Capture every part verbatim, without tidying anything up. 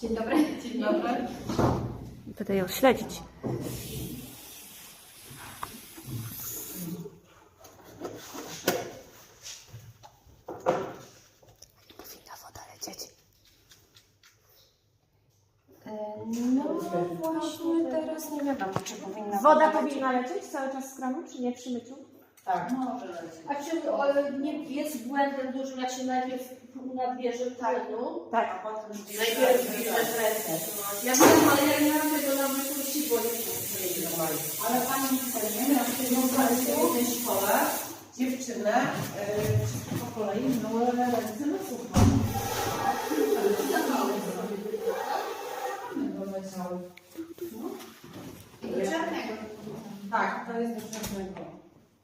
Dzień dobry. Dzień dobry. Będę ją śledzić. Powinna woda lecieć. No właśnie teraz nie wiadomo, czy powinna Woda lecieć. powinna lecieć cały czas z kranu, czy nie przy myciu? Tak, może lecieć. A czy o, nie jest błędem dużym, jak się najpierw nabierze płynu, Tak. A potem najpierw bierzesz rękę. Ja wiem, ale ja nie mam tego na myśli, bo nie wiem. Ale pani nie miała w jednej szkole dziewczynę yy, po kolei myły ręce na sucho. I do czarnego. Tak, to jest do czarnego.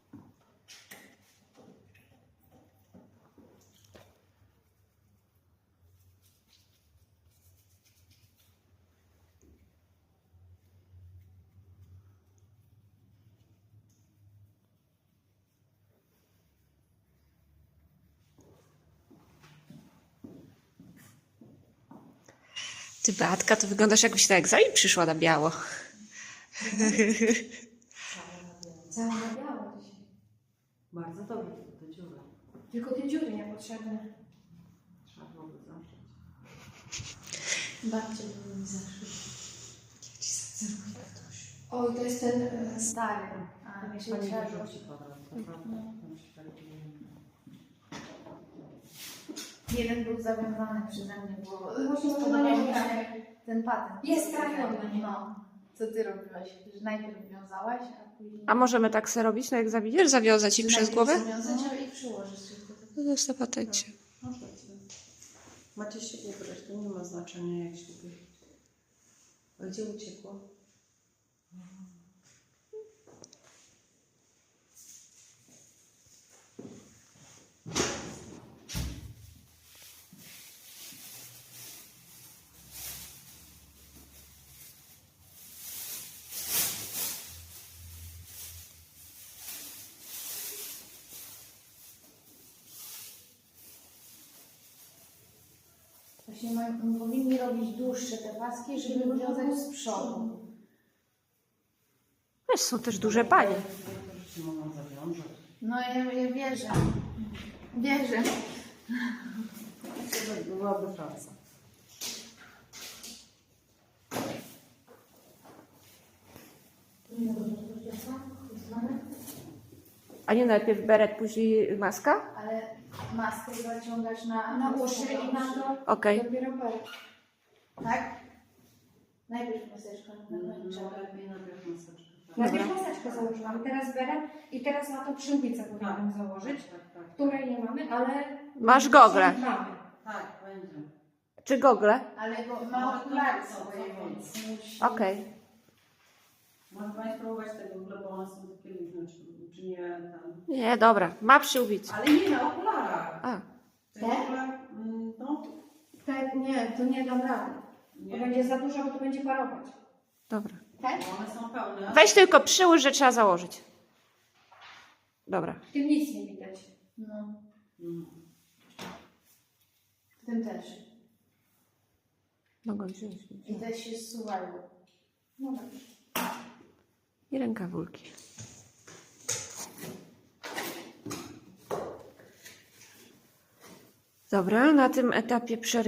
Ty, Beatka, to wyglądasz jakbyś na egzamin przyszła na biało. Cała na biało dzisiaj. Bardzo dobrze, to do dziury. Tylko te dziury niepotrzebne. Trzeba byłoby zamknąć. Babcie by mi zaszły. Oj, to jest ten e, stary. A, nie się Pani trzeba. wyrzuci kwadrant, naprawdę. Jeden był zawiązany przeze mnie, bo Właśnie spodobał mi to się ten patent. Jest trafiony. No. Co ty robiłaś? Że najpierw wiązałaś, a później... A możemy tak se robić na egzaminie? Zawiązać ich przez najpierw głowę? zawiązać, a i przyłożyć tylko. No to jest na patencie. Możecie. Macie się ubrać, to nie ma znaczenia jak się ubierzecie. A gdzie uciekło? Właśnie mają, powinni robić dłuższe te paski, żeby wiązać z przodu. Wiesz, są też duże panie. Niektórzy się mogą zawiązać. No ja, ja wierzę. Wierzę. To byłaby szansa. A nie najpierw beret, później maska? Ale maskę zaciągasz na, Na uszy i na to Okej. dopiero beret. Tak? Najpierw maseczka, na końcu. No lepiej najpierw maseczkę. tak. Najpierw maseczkę założyłam, teraz beret i teraz na to przyłbicę powinnam założyć, Tak, tak. której nie mamy, ale... Masz gogle. Mamy. Tak, będzie. Czy gogle? Ale bo ma okulary swoje, więc musi... Okej. Może Pani spróbować tego ogóle, bo one są takie luźne, czy, czy nie tam. Nie, dobra. Ma przyłbicę. Ale nie na okularach. A, Te okula, mm, no, Te, nie, to nie dam rady. To nie. będzie za dużo, bo to będzie parować. dobra. Tak? Bo one są pełne. Weź tylko przyłóż, że trzeba założyć. Dobra. W tym nic nie widać. No, Mm. w tym też. Mogą wziąć. I też się zsuwają. No dobrze. I rękawulki. Dobra, na tym etapie przerywamy.